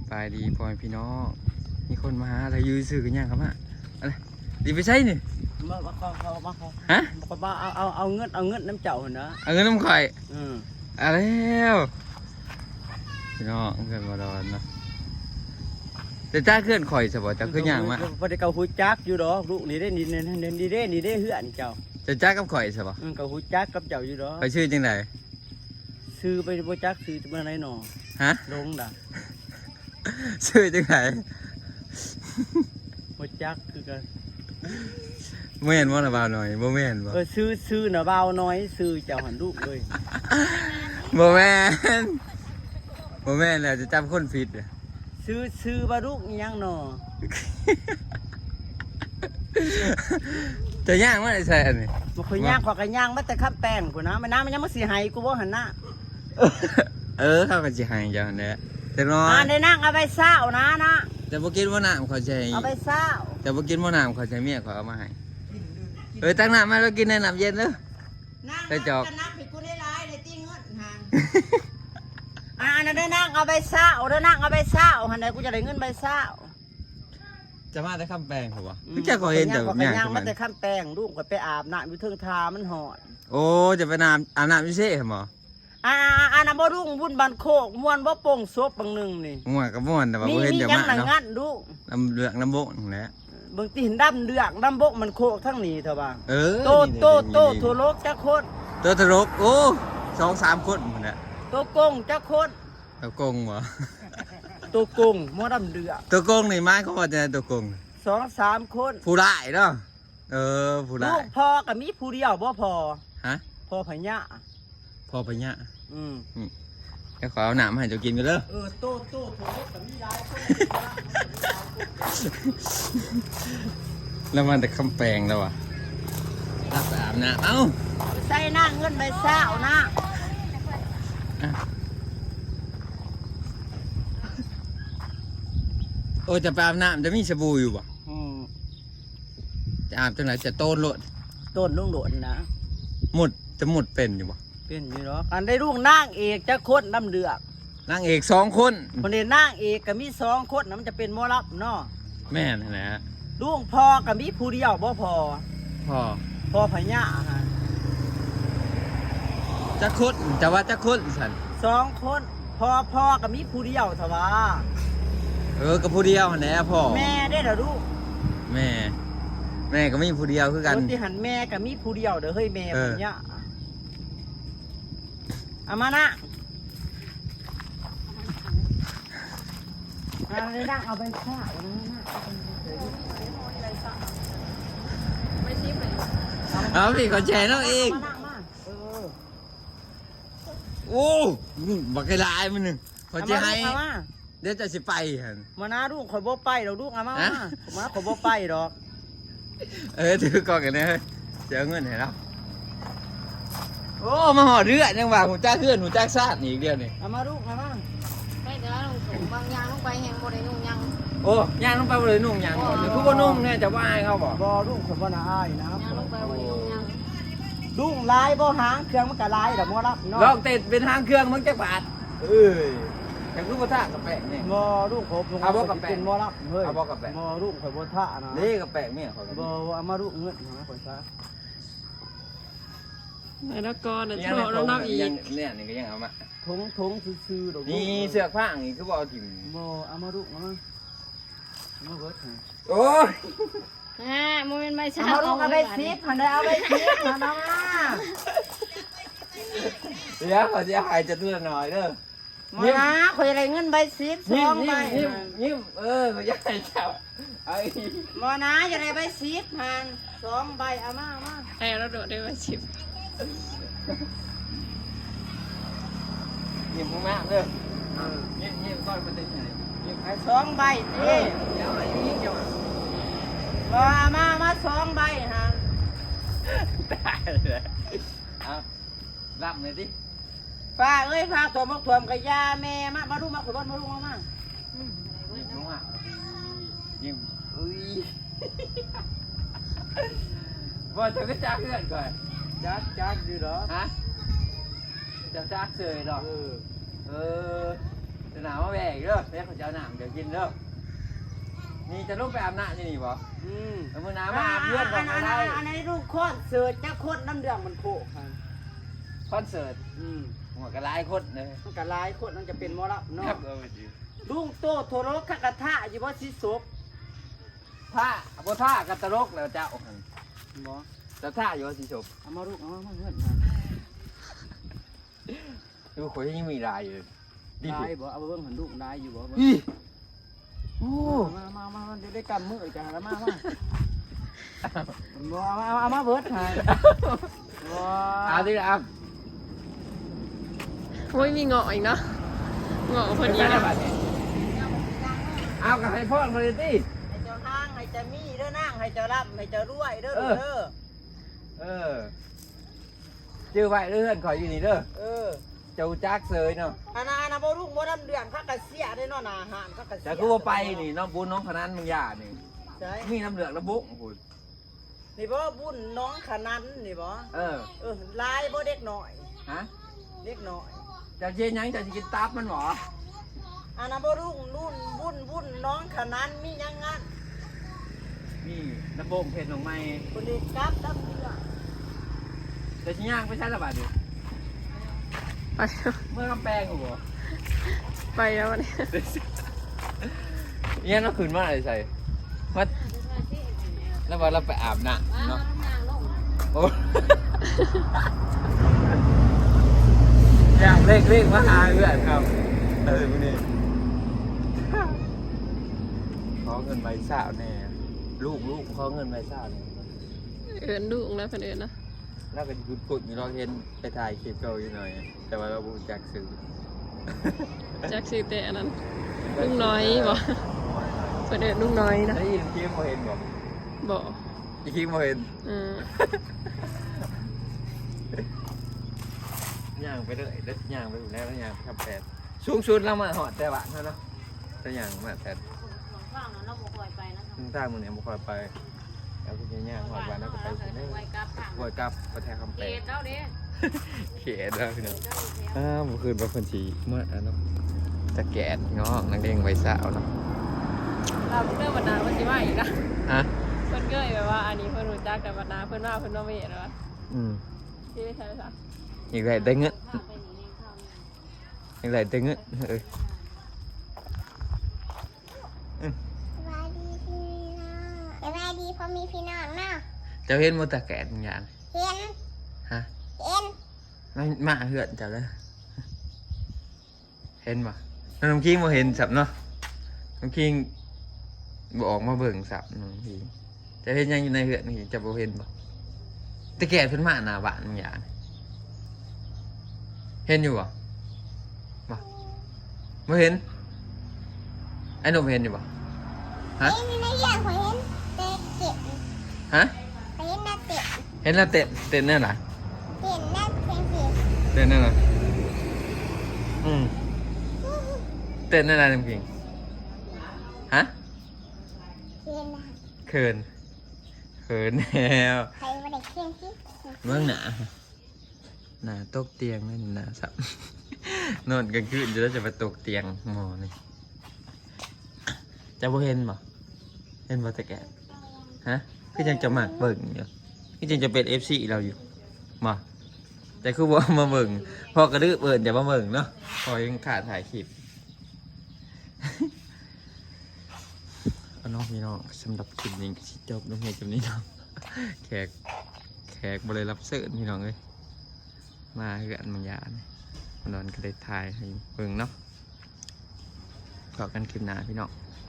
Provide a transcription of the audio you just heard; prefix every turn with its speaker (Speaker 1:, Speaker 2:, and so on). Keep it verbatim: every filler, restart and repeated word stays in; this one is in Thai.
Speaker 1: ปลายดีพ่อพี่น้องมีคนมาหาอะไรยืนซื้อกันยังครับฮะอะไรดีไปใช่นี่
Speaker 2: มาเขาเขามาเขา
Speaker 1: ฮะ
Speaker 2: บอกว่าเอาเอาเอาเงินเอาเงินน้ำเจ้าเหรอ
Speaker 1: เอาเงินน้ำข่อย
Speaker 2: อืม
Speaker 1: อะไรแล้วพี่น้องเงินมาดอนนะแต่จ้าเคลื่อนข่อยสบายจ้าเคลื่อนย่างมา
Speaker 2: พอได้เกาหูจักอยู่ดอกลูกนี่ได้นี่นี่นี่ได้นี่ได้เหือนเจ้า
Speaker 1: จะจ้ากับข่อยสบาย
Speaker 2: เกาหูจักกับเจ้าอยู่ดอก
Speaker 1: ไปชื่อจังได
Speaker 2: ซื้อไปบ่จักซื้อจะมาไหนหนอ
Speaker 1: ฮะ
Speaker 2: ลงด่ะ
Speaker 1: ชื่อจังได
Speaker 2: บ่จักคือกัน
Speaker 1: ไม่เห็นว่าระบาวหน่อยบ่ไม่เห็นบ่
Speaker 2: เออซื้อซื้อน่ะเบาน้อยซื้อเจ้าหันลูกเลย
Speaker 1: บ่แม่นบ่แม่นแล้วจะจำคนผิด
Speaker 2: ซื้อซื้อบารุกยังหนอ
Speaker 1: จะย่างว่าไอ้แซ่นี่
Speaker 2: บ่เคยย่างขอกันย่างมาแต่ขับแป้งกูนะมันน้ำมันยังมาสิหายกูบ่หันหน้า
Speaker 1: เออเขาก็สิหายจังเนี่ยแต่น้อย
Speaker 2: อ่าได้นั่งเอาไปเศร้านะนะ
Speaker 1: แต่บ่กินบ่น้ำเขาใช้
Speaker 2: เอาไปเศร้า
Speaker 1: แต่บ่กินบ่น้ำเขาใช้เมียเขาเอามาให้เออตั้งน้ำมาแล้วกินในน้ำเย็นเด้อ
Speaker 2: ไปจอกนักผิดกูได้ร้ายเลยตีเงินหันอ่านั่นได้นั่งเอาไปเศร้าได้นั่งเอาไปเศร้าหันไหนกูจะได้เงินไปเศร้า
Speaker 1: จะมาแต่คำแปลงเหรอวะพี่แกก็เห็นแต่
Speaker 2: แบบนี้มาแต่คำแปลงลูกก็ไปอาบน้ำอยู่เทิงทามันหอด
Speaker 1: โอ้จะไปน้ำอาบน้ำพิเศษเหรอ
Speaker 2: อ่าอ่าน้ำบ่รุ่งวุ่นบันโคกม้วนบ่โป่งซบบางหนึ่งนี่
Speaker 1: ม้วนกับม้วนแต่ว่าเห็นจะมาเนาะน้ำเลือกน้ำบกนั่นแหละ
Speaker 2: บางทีเห็นดำเลือกดำบกมันโคกทั้งนี้เถอะบ้าง
Speaker 1: เออ
Speaker 2: โตโตโตทั่วโลกจักคน
Speaker 1: โตทะลกโอ้สองสามคนเหมือนน่ะ
Speaker 2: โตกงจักคน
Speaker 1: โตกงเหรอ
Speaker 2: โตกงม้วนดำเลือก
Speaker 1: โตกงนี่ไม้เขาว่าจะโตกง
Speaker 2: สองสามคน
Speaker 1: ผู้ได้เนาะเออผู้ได้
Speaker 2: ลูกพ่อกับมีผู้เดียวบ่พอ
Speaker 1: ฮะ
Speaker 2: พ่อพญะ
Speaker 1: พ่อพญะ
Speaker 2: อืม
Speaker 1: แค่ขอเอาหนามให้เจ้ากินกันเด้อ
Speaker 2: เออโตโตโถกับมีได้
Speaker 1: แล้วมันแต่คำแปลงแล้ววะรับไปอาบน้ำเอ้า
Speaker 2: ใส่หน้าเงินใบเศร้านะ
Speaker 1: โอ้จะไปอาบน้ำจะมีสบู่อยู่ป่ะจะอาบจังไหนจะโต้นโหลด
Speaker 2: ต้นลุงโหลดนะ
Speaker 1: หมดจะหมดเป็นอยู่ป่ะ
Speaker 2: เป็นอยู่หรออันได้ลูกนางเอกจะคนน้ำเดือก
Speaker 1: นางเอกสองคน
Speaker 2: คนเดียนางเอกกับมีสองคนนะมันจะเป็นมอลับเนาะ
Speaker 1: แม่นะนะฮะ
Speaker 2: ลูกพ่อกับมีผู้เดียวบ่พอ
Speaker 1: พ่อ
Speaker 2: พ่อพญาฮะ
Speaker 1: จะคุดจะว่าจะคุดสัน
Speaker 2: สองคนพ่อพ่อกับมีผู้เดียวเถอะวะ
Speaker 1: เออกับผู้เดียวแน่พ่อ
Speaker 2: แม่ได้เหรอลูก
Speaker 1: แม่แม่ก็มีผู้เดียวคือกัน
Speaker 2: ที่หันแม่กับมีผู้เดียวเด้อเฮ้ยแม่พญาเอามานะเอาไปนั่งเอาไปข้าวนะ
Speaker 1: ไม่ชิมเลยเอาพี่ขอแชร์น้องเองโอ้บักไก่ลายมันหนึ่งขอแชร์ให้เดี๋ยวจะสิไปหัน
Speaker 2: มานะลูกขอโบไปเราลูกเอามามาขอโบไปดอก
Speaker 1: เออถือก่อนกันนะเฮ้ยเจอเงินเห็นแล้วโอ้มาห่อเรือยังว่าหูจ้าเพื่อนหูจ้าซาดอีกเดียวนี่
Speaker 2: เอามาลูกเอามา
Speaker 3: ไม่เดี๋ยวเราถุงบางยางลงไปแหงบรินุ่งยัง
Speaker 1: โอ้ยางลงไปบรินุ่งยังก่อนคือว่านุ่งเนี่ยจะว่าให้เขาบอก
Speaker 2: บ่ลูกคนบ่น่าอายนะ
Speaker 3: ยางลงไปบรินุ่งยัง
Speaker 2: ลูกลายบ่หางเครื่องมันก็ลายแต่มอรับ
Speaker 1: เนาะลองเตะเป็นทางเครื่องมึงจะบาดเอ้ยแต่ลูกกระทะกับแปะเนี่ย
Speaker 2: มอลูกผม
Speaker 1: เอาบ่กับแปะ
Speaker 2: เป็นมอรับเฮ้ย
Speaker 1: เอาบ่กับแปะ
Speaker 2: มอลูกข่อยบ่ทะนะ
Speaker 1: นี่กับแปะเนี่ยเขา
Speaker 2: บ่เอามาลูกเงินนะข่อยซะ
Speaker 3: แล้วก็เนี่ยโชว์น้องอีก
Speaker 1: เนี่ยนี่ก็ยังเอามา
Speaker 2: ทงทงซื่อๆดอก
Speaker 1: นี่เสือกผ้าอย่างนี้คือบอกถิ่ม
Speaker 2: บ่เอามาลูกเอามามาเบิด
Speaker 1: โอ้ย
Speaker 3: อ่าโมเมนต์ไม่ใช่
Speaker 2: เอาลูกเอาไปซิปหันได้เอาไปซิปหันเอามา
Speaker 1: เดี๋ยวขอจะหายจะตัวหน่อยเด้อ
Speaker 2: มานะข่อยอะไรเงินใบซิปสองใบ
Speaker 1: ยิ้มยิ้มเออขอจะหายจับไอ้
Speaker 2: มานะจะได้ใบซิปหันสองใบเอามาเอามา
Speaker 3: ไอ้เราโดดได้ใบซิป
Speaker 1: ยิ้มมากเลยยิ้มยิ้มก้อนมันจะไหนยิ้ม
Speaker 2: ไอ้สองใบเต้
Speaker 1: เดี๋ยวไอ้ยิ้มจะ
Speaker 2: มามามาสองใบฮะ
Speaker 1: ได้เลยเอารับเลยดิ
Speaker 2: ป้าเอ้ยพาตัวมักถ่วมกับยาแม่มามาดูมาขบวนมาดูมามา
Speaker 1: ยิ้มมากยิ้มอุ้ยว่าจะก็จ้าเพื่อนก่อน
Speaker 2: จ้าจ้าดีเหรอ
Speaker 1: ฮะจะจ้าเสยหรอเออเออจะหนาวมาแบกเด้อเดี๋ยวเขาจะเอาหนามเดี๋ยวกินเด้อนี่จะลงไปอาบน้ำนี่นี่บ่
Speaker 2: อืม
Speaker 1: เอามือน้ำมาอาบเพื่อนก่อนก็ได้
Speaker 2: อันนี้ลูกโคตรเสือจะโคตรน้ำเดือดมันโผล่ค่ะ
Speaker 1: คอนเสิร์ต
Speaker 2: อืม
Speaker 1: หัวกระไลคนเลย
Speaker 2: มันก็หลายคนมันจะเป็นหมอละ
Speaker 1: ครั
Speaker 2: เนาะ
Speaker 1: บเออจริง
Speaker 2: ลุงโตโทรกกระทะอยู่บ่สิศพ
Speaker 1: ท่าบ่ท่ากับตลกแล้วเจ้า
Speaker 2: บ่
Speaker 1: แต่ท่าอยู่สิจบ
Speaker 2: เอามาลูกเอามาเพื่อน
Speaker 1: ดูคนยังมีลายอยู่ดี
Speaker 2: ได้บ่เอาเบิ่งหันลูกได้อยู่บ่
Speaker 1: อีโอ้
Speaker 2: มามามาเดี๋ยวได้กำมือจ้ะแล้วมามาบ่เอาเอาเอามาเบิดให้บ่
Speaker 1: เอาดิเอา
Speaker 3: โอ้ยมีเงาะอีกเนาะเงาะพอดี
Speaker 1: ใช่
Speaker 3: นะ
Speaker 1: บัดนี้เอากับให้พ่อคนนี้
Speaker 2: ให้เจ้าทางให้เจ้ามีเด้อนางให้เจ้าร่ำให้เจ้ารวยเด้อลูกเด้อ
Speaker 1: เออชื่อไว้เรื่อนขออยู่นี่เด้อ
Speaker 2: เออ
Speaker 1: เจ้าจักเสยเนาะ
Speaker 2: อันนั้นอันนั้นบ่ลูกบ่น้ำเดือดคักกะเสียได้เนาะหน้าอาหารคักกะเสีย
Speaker 1: แต่กูว่าไปนี่น้องบุญน้องพนันมึงอย่านี่
Speaker 2: ใช่
Speaker 1: มีน้ำเหลืองระบุคุณ
Speaker 2: นี่บ่บุญน้องขนันนี่บ่
Speaker 1: เออ
Speaker 2: เออลายบ่เด็กน้อย
Speaker 1: ฮะ
Speaker 2: เด็กน้อย
Speaker 1: เจะเย็นยังเจะกินตับมันหรอ
Speaker 2: อันนั้นบ่รุ่งรุ่นบุญบุญน้องขนันมีหยังงั้น
Speaker 1: นี่น้ำบงเผ็ดลงไม้
Speaker 2: คนนี้กลับดำเดือด
Speaker 1: แต่ชิ้นย่างไม่ใช่ระบาดดิ
Speaker 3: ไป
Speaker 1: เมื่อกำแพงกูบ่
Speaker 3: ไปแล้ววันนี้
Speaker 1: เนี่ยเราขืนมาอะไรใส่มาแล้วว่าเราไปอาบน้ำเนาะโอ้ อยากเล่กเล่กมาหาเพื่อนครับเออพวกนี้ขอเงินใบสาวแน่ลูกลูกขอเงินใบสาวแน่
Speaker 3: เอินดุงแล้วเพิ่นเอินนะ
Speaker 1: แล้วก็กุดกุดมีเราเห็นไปถ่ายคลิปเก่าอยู่หน่อย แต่ว่าเราบูจักซื้อ
Speaker 3: จักซื้อแต่อันนั้นลุงน้อยบ่เพิ่นเอินลุงน้อยนะ
Speaker 1: ได้ยินคลิปมาเห็นบอก
Speaker 3: บ่
Speaker 1: อีกคลิปมาเห็น
Speaker 3: อืม
Speaker 1: ย่างไปเลยเด็ดย่างไปอยู่แล้วแล้วย่างทำแปดสูงสุดเรามาหอดแต่บ้านเท่านั้นแต่ย่างมาแปด
Speaker 3: ข้างนั้นเราบ่ค่อยไปนะ
Speaker 1: ทางใต้มึงเนี่ยบ่ค่อยไปแล้วก็ย่างหอดบ้านแล้วก็ไปถึงได้
Speaker 3: ไว้กับทาง
Speaker 1: บวชกับประแทนคำแป
Speaker 3: เก
Speaker 1: ด
Speaker 3: ตเจ้าเด้
Speaker 1: เขียนแล้วพี่น้องอ้าวเมื่อคืนเป็นคนชีเมื่ออ่ะเนาะตะแกดงอกนังเด้งไว้สาวเนาะ
Speaker 3: เราเรื่องบรรดาวันสิว่าอีกนะ
Speaker 1: ฮะ
Speaker 3: เพิ่นเกยแบบว่าอันนี้เพิ่นรู้จักกับบรรดาเพิ่นว่าเพิ่นว่าเวทแล้ว
Speaker 1: อืม
Speaker 3: ที่ได้ใช่ซะ
Speaker 1: อีกไรได้เงินอีกไรได้เงินเออ
Speaker 4: สบายดีพี่น้องสบายดีเพราะมีพี่น้องเนาะ
Speaker 1: เจ้าเห็นมตะแกดบางอย่าง
Speaker 4: เห็น
Speaker 1: ฮะ
Speaker 4: เห็น
Speaker 1: ไม่มาเหือนเจ้าเลยเห็นปะน้องคิงมาเห็นสับเนาะน้องคิงบอกมาเบิ่งสับน้องคิงจะเห็นยังอยู่ในเหือนนี่จะบ่เห็นปะตะแกดเพิ่นมาหน้าบ้านบางอย่างเห็นอยู่ปะบ่บ่เห็นไอ้หนุ่มเห็นอยู่ปะฮะ
Speaker 4: เห็นในเรื่องผมเห็นเตะเก็บ
Speaker 1: ฮะ
Speaker 4: ผมเห็นหน้าเตะ
Speaker 1: เห็นแล้วเต้นเต้นแน่หรอ
Speaker 4: เห็นหน้าเพียงเสีย
Speaker 1: เต้นแน่หรออืมเต้นแน่หรอน้ำกิงฮะ
Speaker 4: เห็นนะ
Speaker 1: เขินเขินแล้ว
Speaker 4: ใครมาได้เพียงสิ
Speaker 1: เมื่อหนาหนาตกเตียงนี่หนาสับ นอนกลางคืนจะได้จะไปตกเตียงหมอนี่จะบ่เห็นบ่เห็นบ่ตะแกะฮะคือยังจะมากเบิ่งอยู่คือยังจะเป็น เอฟ ซี เราอยู่มาแต่คือว่ามาเบิ่งพอกระดื้อเบิ่นจะมาเบิ่งเนาะพอยังขาดถ่ายคลิป เอาน้องพี่น้องสำหรับคลิปนี้ก็สิจบลงเพียงแค่นี้เนาะ แขกแขกบ่ได้รับเสิร์ฟพี่น้องเอ้ยมาเฮือนมังยาเนี่ยนอนก็ได้ถ่ายให้เบิ่งเนาะขอกันคลิปหน้าพี่น้อง